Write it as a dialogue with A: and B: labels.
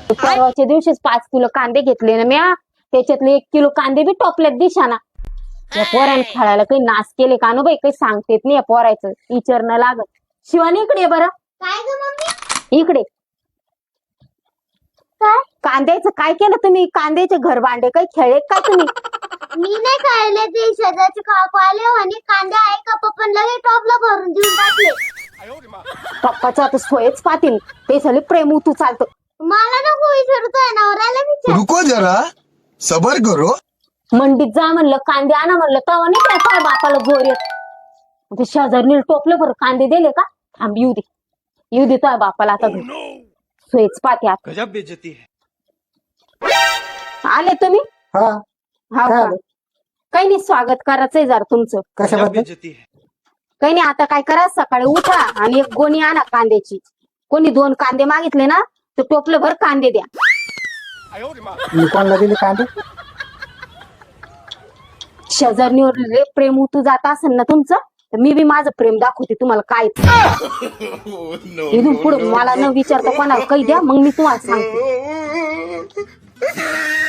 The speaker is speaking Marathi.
A: परवाच्या दिवशीच 5 किलो कांदे घेतले ना म्या, त्याच्यातले 1 किलो कांदे बी टोपल्यात दिशाना. या पोराने खेळायला काही नाश केले का नो बाई, काही सांगतेत नाही या पोरायचं, विचारणं लागत. शिवानी इकडे बरं.
B: काय ग मम्मी?
A: इकडे.
B: काय?
A: कांद्याचं काय केलं तुम्ही? कांद्याचे घर भांडे काही खेळले काय तुम्ही?
B: मी नाही खायले, ते शेजारचे काकू आले आणि कांदे आहे का पप्पन लगे टॉपला भरून देऊन टाकले.
A: पप्पाचं आता सोयच पाहतील, ते सगळे प्रेम तू चालतं.
B: मला नको विचारतोय, नवऱ्याला विचार.
C: रुको जरा, सबर करो.
A: मंडीत जा म्हणलं, कांदे आणा म्हणलं, तवा नाही काय काय बापाला जोर येत. ते शेजारनी टोपलं बरं कांदे दिले का? थांब येऊ दे, येऊ दे तुझ्या बापाला आता घरी. सोयच पाहते आता.
D: गजब बेइज्जती है.
A: आले तुम्ही?
E: हा
A: हा
E: काय
A: का?
E: आलं?
A: काही नाही, स्वागत करायचंय जरा तुमचं.
D: गजब
E: कशाबद्दल?
D: बेइज्जती है.
A: काही नाही, आता काय करा, सकाळी उठा आणि 1 गोणी आणा कांद्याची. कोणी 2 कांदे मागितले ना तर टोपलं भर कांदे द्या.
E: मी कोणाला दिले कांदे?
A: शेजारणीवर लय प्रेम उतू जात असेल ना तुमचं, तर मी बी माझं प्रेम दाखवते तुम्हाला काय. इथून पुढे मला न विचारता कोणाला काही द्या, मग मी तुम्हाला सांगते.